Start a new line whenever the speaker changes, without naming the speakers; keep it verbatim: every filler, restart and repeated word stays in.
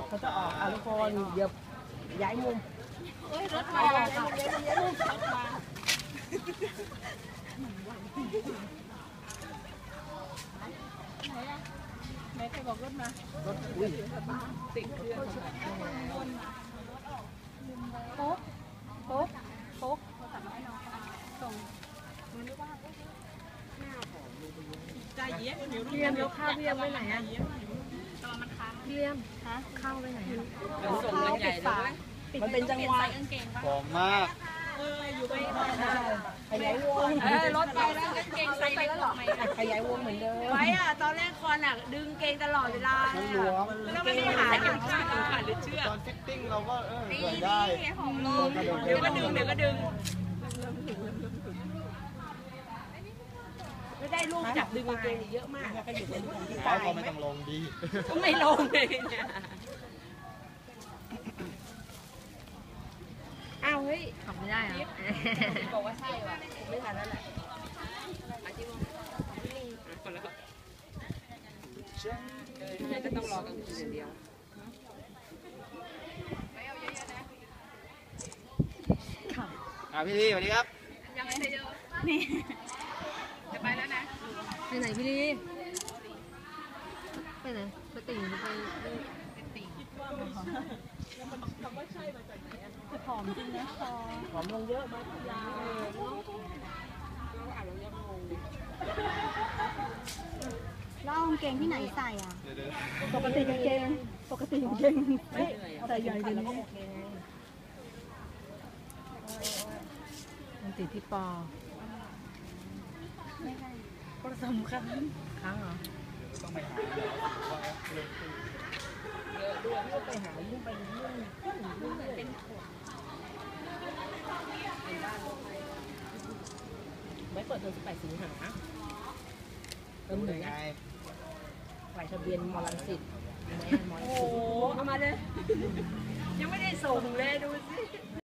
เขาจะออกอ่ะทุกคนเดี๋ยวย้ายมุมเอ้ยรถมาย้ายมุมย้ายมุมย้ายมุมรถมาไหนอะไหนใครบอกรถมารถอุ้ยติดเครื่องโป๊กโป๊กโป๊กส่งใจเย็นเรียมแล้วข้าวพี่เรียมไปไหนอะพี่เรียมฮะข้าวไปไหนอะส่งเงินใหญ่เลยมันเป็นจังหวะ
หอมมาก
เอออยู่ไปขยายวง
เออรถไปแล้วกางเกงใส่ไปแล้วหรอ
ขยายวงเหมือนเดิม
ไว้อะตอนแรกคอนอะดึงเกงตลอดเวลาแล้วไม่ได้หาเข็มขัดขาดหรือเชือก
ตอนฟิตติ้งเราก็เออใส่ได้
ของลงเดี๋ยวก็ดึงเดี๋ยวก็ดึงไม่ได้ลูกจับดึงกางเกงเยอะมากก็อยู่บนที่ตาย
เขาไม่ต้องลงดี
ก็ไม่ลงเลยเนี่ยอ้าวเฮ้ยทำไม่ได้อะบอกว่าใช่ว่ะไม่ทันแล้วแหละอาชีพคนละไม่จะต้องรอกลางคืนอย่างเดียว
อ่ะพี่ลีสวัสดีครับ
ยังไม่ได้เยอะนี่จะไปแล้วนะ
ไปไหนพี่ลีไปไหนไปติ่งไปติ่งคิดว่ามันคำว่าใช่มาจากไหนจะผอมจริงนะคอผอมลงเยอะมากยาว
แล้วกางเกงที่ไหนใส่อ่ะ
ปกติกางเกงปกติกางเกงไม่ใส่ใหญ่ดีแล้วก็โอเคมันติดที่ปอ
ไม่ใช่
ผสมครั้งครั้งเหรอ
ต้องไปหา
เยอะด้วยไม่ไปหายุ่งไปยุ่งยุ่งเป็นไม่เปิดเทอมสิบแปดสิงหาเริ่มหนึ่งไงฝ่ายทะเบียนมอลังสิตโอ้
เอามาเลยยังไม่ได้ส่งเลยดูสิ